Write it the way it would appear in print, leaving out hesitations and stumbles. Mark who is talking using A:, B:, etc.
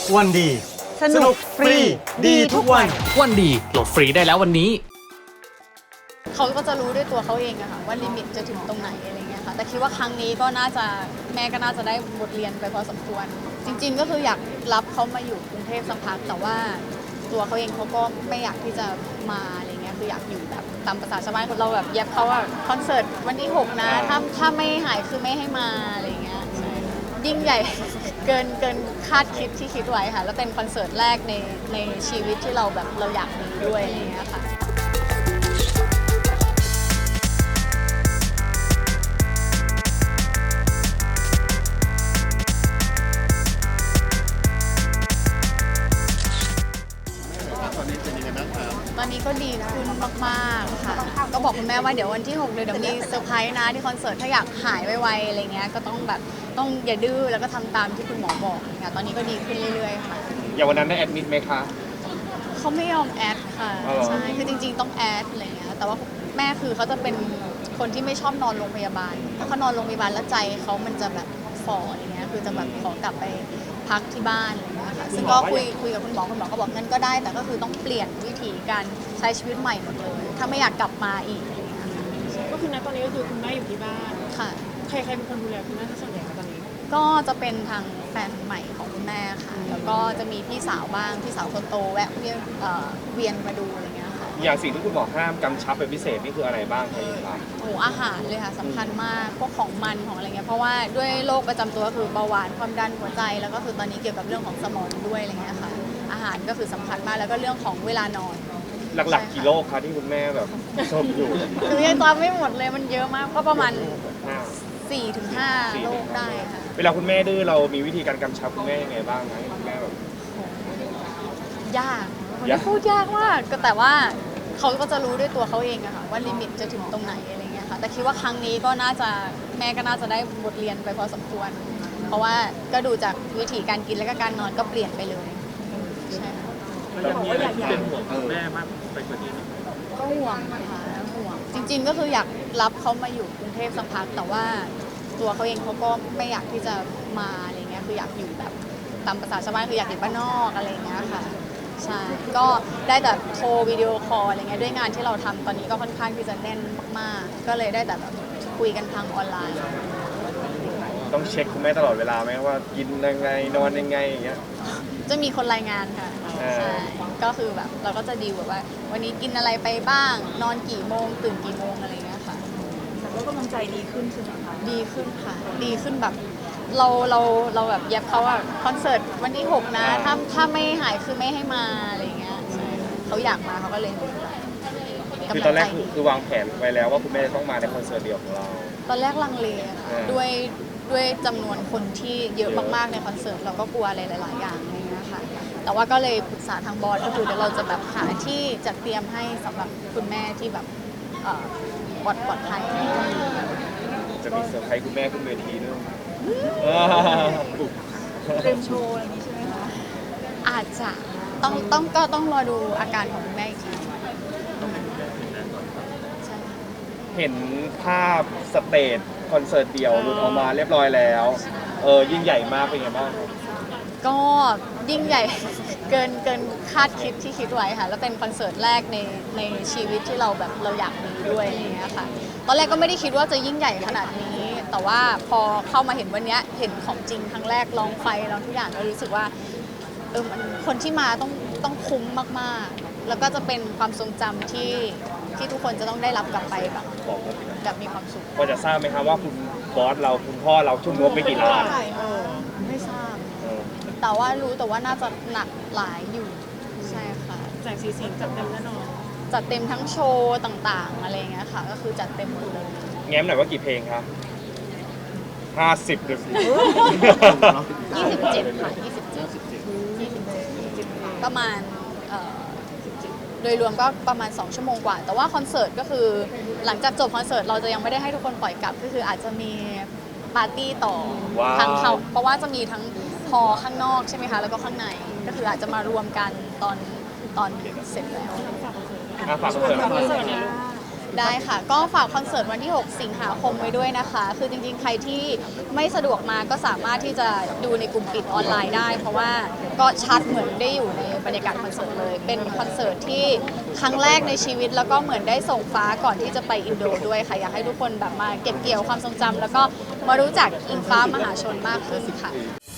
A: วันดีสนุกฟรีดีทุกวัน
B: วันดีโหลดฟรีได้แล้ววันนี้
C: เขาก็จะรู้ด้วยตัวเขาเองอะค่ะว่าลิมิตจะถึงตรงไหนอะไรเงี้ยค่ะแต่คิดว่าครั้งนี้ก็น่าจะแม่ก็น่าจะได้บทเรียนไปพอสมควรจริงๆก็คืออยากรับเขามาอยู่กรุงเทพสักพักแต่ว่าตัวเขาเองเขาก็ไม่อยากที่จะมาอะไรเงี้ยคืออยากอยู่แบบตามภาษาชาวบ้านเราแบบแยบเขาว่าคอนเสิร์ตวันที่6นะถ้าไม่หายคือไม่ให้มาอะไรเงี้ยใช่ยิ่งใหญ่ เกินคาดคิดที่คิดไว้ค่ะแล้วเป็นคอนเสิร์ตแรกในชีวิตที่เราแบบเราอยากมีด้วยอะไรเงี้ยค่ะตอนนี้ก็ดีขึ้นมากๆค่ะก็บอกคุณแม่ว่าเดี๋ยววันที่6เดี๋ยวมีเซอร์ไพรส์นะที่คอนเสิร์ตถ้าอยากหายไวๆอะไรเงี้ยก็ต้องอย่าดื้อแล้วก็ทำตามที่คุณหมอบอกค่ะตอนนี้ก็ดีขึ้นเรื่อยๆค่ะ
D: อย่างวันนั้นได้แอดมิดไหมคะ
C: เขาไม่ยอมแอดค่ะใช่คือจริงๆต้องแอดอะไรเงี้ยแต่ว่าแม่คือเขาจะเป็นคนที่ไม่ชอบนอนโรงพยาบาลเพราะเขานอนโรงพยาบาลแล้วใจเขามันจะแบบฝ่ออะไรเงี้ยคือจะแบบขอกลับไปพักที่บ้านอะไรเงี้ยค่ะซึ่งก็คุยกับคุณหมอก็บอกงั้นก็ได้แต่ก็คือต้องเปลี่ยนวิธีการใช้ชีวิตใหม่หมดเลยถ้าไม่อยากกลับมาอีกอะไรเงี้ย
E: ก็คือณตอนนี้ก็คือคุณแม่อยู่ที่บ้าน
C: ค่ะ
E: ใครเป็นคนดูแลคุณแม่ส่วนใหญ่คะตอนนี้
C: ก็จะเป็นทางแฟนใหม่ของคุณแม่ค่ะแล้วก็จะมีพี่สาวบ้างพี่สาวคนโตแวะเวียนมาดูอะไรเงี้ยค่ะ
D: อย่างสิ่งที่คุณหมอห้ามกำชับเป็นพิเศษนี่คืออะไรบ้างครับ
C: โอ้อาหารเลยค่ะสำคัญมากพวกของมันของอะไรเงี้ยเพราะว่าด้วยโรคประจำตัวก็คือเบาหวานความดันหัวใจแล้วก็คือตอนนี้เกี่ยวกับเรื่องของสมองด้วยอะไรเงี้ยค่ะอาหารก็คือสำคัญมากแล้วก็เรื่องของเวลานอน
D: หลักๆกี่โรคคะที่คุณแม่แบบชอบอยู่
C: คือยังจำไม่หมดเลยมันเยอะมากก็ประมาณ4-5 โรคได้ค่ะ
D: เวลาคุณแม่ดื้อเรามีวิธีการกำชับคุณแม่ยังไงบ้างไหมคุณแม่แบบ
C: ยากพูดยากมากแต่ว่าเขาก็จะรู้ด้วยตัวเขาเองอะค่ะว่าลิมิตจะถึงตรงไหนอะไรเงี้ยค่ะแต่คิดว่าครั้งนี้ก็น่าจะแม่ก็น่าจะได้บทเรียนไปพอสมควรเพราะว่าก็ดูจากวิธีการกินและก็การนอนก็เปลี่ยนไปเลยใช่ค่ะ
D: เป็นห่วงแม่มากไปกว่านี้
C: ก็ห่วงนะคะห่วงจริงๆก็คืออยากรับเขามาอยู่กรุงเทพสักพักแต่ว่าตัวเขาเองเขาก็ไม่อยากที่จะมาอะไรเงี้ยคืออยากอยู่แบบตามภาษาชาวบ้านคืออยากอยู่บ้านนอกอะไรเงี้ยค่ะใช่ก็ได้แต่โทรวิดีโอคอลอะไรเงี้ยด้วยงานที่เราทำตอนนี้ก็ค่อนข้างที่จะแน่นมากๆก็เลยได้แต่แบบคุยกันทางออนไลน์
D: ต้องเช็คคุณแม่ตลอดเวลาไหมว่ากินยังไงนอนยังไงอย่างเงี้ย
C: จะมีคนรายงานค่ะใช่ก็คือแบบเราก็จะดีลแบบว่าวันนี้กินอะไรไปบ้างนอนกี่โมงตื่นกี่โมงอะไรเงี้ยค่ะ
E: แต่ว่ากำลังใจดีขึ้นใช่ไหมคะ
C: ดีขึ้นค่ะดีขึ้นแบบเราแบบแยบเขาว่าคอนเสิร์ตวันที่6นะถ้าไม่หายคือไม่ให้มาอะไรเงี้ยใช่เขาอยากมาเขาก็เลย
D: คือตอนแรกคือวางแผนไว้แล้วว่าคุณแม่จะต้องมาในคอนเสิร์ตเดียวของเรา
C: ตอนแรกลังเลค่ะด้วยจำนวนคนที่เยอะมากๆในคอนเสิร์ตเราก็กลัวอะไรหลายๆอย่างอะไรเงี้ยค่ะแต่ว่าก็เลยปรึกษาทางบอสก็คือเดี๋ยวเราจะแบบหาที่จัดเตรียมให้สำหรับคุณแม่ที่แบบปลอดภัย
D: จะมีเซอร์ไพรส์คุณแม่ขึ้นเวทีด้วย
E: เตรียมโชว์อะไรอย่างนี้ใช่ไหมคะ
C: อาจจะต้องรอดูอาการของคุณแม่อีกที
D: เห็นภาพสเตจคอนเสิร์ตเดี่ยวหลุดออกมาเรียบร้อยแล้วยิ่งใหญ่มากเป็นไงบ้าง
C: ก็ยิ่งใหญ่ เกินคาดคิดที่คิดไว้ค่ะแล้วเป็นคอนเสิร์ตแรกในชีวิตที่เราแบบเราอยากมีด้วยอะไรเงี้ยค่ะตอนแรกก็ไม่ได้คิดว่าจะยิ่งใหญ่ขนาดนี้แต่ว่าพอเข้ามาเห็นวันนี้เห็นของจริงครั้งแรกลองไฟลองทุกอย่างก็รู้สึกว่ามันคนที่มาต้องคุ้มมากๆแล้วก็จะเป็นความทรงจำที่ทุกคนจะต้องได้รับกลับไปแบบมีความสุข
D: พอจะทราบไหมครับว่าคุณบอสเราคุณพ่อเราชุ่มงบไปกี่ล้าน
C: ไม่ทราบแต่ว่ารู้แต่ว่าน่าจะหนักหลายอยู่ใช่ค่ะ
E: แสงสีเสียงจัดเต็มแน่นอน
C: จัดเต็มทั้งโชว์ต่างๆอะไรเงี้ยค่ะก็คือจัดเต็มหมดเลย
D: แง้มหน่อยว่ากี่เพลงครับ50หรือ
C: 27ค่ะ27ประมาณโดยรวมก็ประมาณ2 ชั่วโมงกว่าแต่ว่าคอนเสิร์ตก็คือหลังจากจบคอนเสิร์ตเราจะยังไม่ได้ให้ทุกคนปล่อยกลับก็คืออาจจะมีปาร์ตี้ต่อทางเขาเพราะว่าจะมีทั้งพอข้างนอกใช่ไหมคะแล้วก็ข้างในก็คืออาจจะมารวมกันตอนเสร็จแล้ว
D: ฝากคอนเสิร์ต
C: ได้ค่ะ ก็ฝากคอนเสิร์ตวันที่ 6 สิงหาคมไว้ด้วยนะคะ คือจริงๆ ใครที่ไม่สะดวกมาก็สามารถที่จะดูในกลุ่มปิดออนไลน์ได้ เพราะว่าก็ชัดเหมือนได้อยู่ในบรรยากาศคอนเสิร์ตเลย เป็นคอนเสิร์ตที่ครั้งแรกในชีวิต แล้วก็เหมือนได้ส่งฟ้าก่อนที่จะไปอินโดด้วยค่ะ อยากให้ทุกคนแบบมาเก็บเกี่ยวความทรงจำแล้วก็มารู้จักอิงฟ้ามหาชนมากขึ้นค่ะ